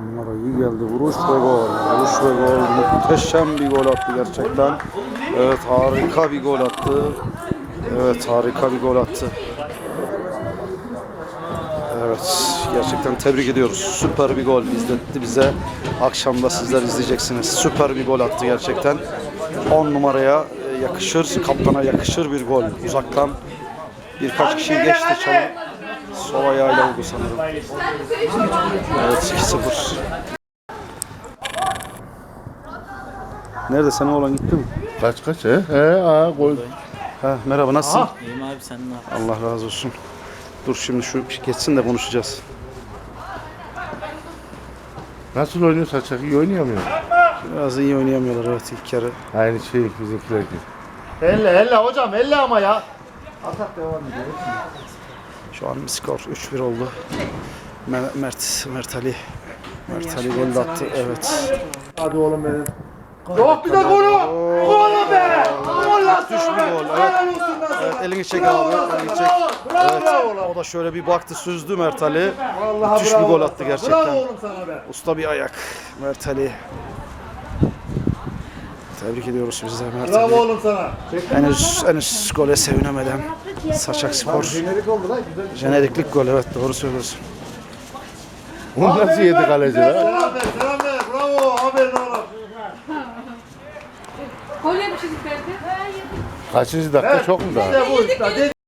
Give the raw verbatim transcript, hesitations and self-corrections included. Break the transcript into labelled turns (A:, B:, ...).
A: Onlara iyi geldi. Vuruş ve gol. Vuruş ve gol. Muhteşem bir gol attı gerçekten. Evet, harika bir gol attı. Evet, harika bir gol attı. Evet, gerçekten tebrik ediyoruz. Süper bir gol izletti bize. Akşamda sizler izleyeceksiniz. Süper bir gol attı gerçekten. on numaraya yakışır, kaptana yakışır bir gol. Uzaktan birkaç kişi geçti çalım. Sol ayağıyla vurdu sanırım. Evet, iki sıfır. Nerede, sen oğlan gitti mi?
B: Kaç kaç he? He aa gol.
A: Ha, merhaba, nasılsın?
C: İyiyim abi, sen ne yapıyorsun?
A: Allah razı olsun. Dur şimdi şu geçsin de konuşacağız.
B: Nasıl oynuyor Saçak? İyi oynayamıyor.
A: Biraz iyi oynayamıyorlar, evet, ilk yarı.
B: Aynı şey bizimkiler gibi.
D: Elle elle hocam elle ama ya. Atak devam ediyor.
A: Şu an skor üç bir oldu. Mer- Mert, Mert Ali. Mert Ali gol attı, evet.
D: Hadi oğlum benim. Yok bir de golü. Golü be. Gol lan
A: Düş bir
D: sana
A: gol,
D: be.
A: evet.
D: Helal olsun lan sana.
A: Evet, elini çek abi, elini çek. Evet, o da şöyle bir baktı, süzdü Mert Ali.
D: Vallahi
A: Müthiş bir
D: bravo
A: gol
D: lan
A: attı
D: sana.
A: gerçekten.
D: Bravo oğlum sana be.
A: Usta bir ayak Mert Ali. Tebrik ediyoruz biz de Mert
D: Bravo
A: Ali.
D: oğlum sana.
A: Henüz, henüz gole sevinemeden Saçak Spor.
D: Jenerik oldu lan güzel.
A: Jeneriklik gol, evet, doğru söylüyorsun.
B: Onu nasıl yedi kaleci lan?
D: Selam ver selam ver. Bravo aferin oğlum.
E: Gol yemişiz Ferdi.
B: Kaçıncı dakika çok mu daha?
D: İşte bu işte.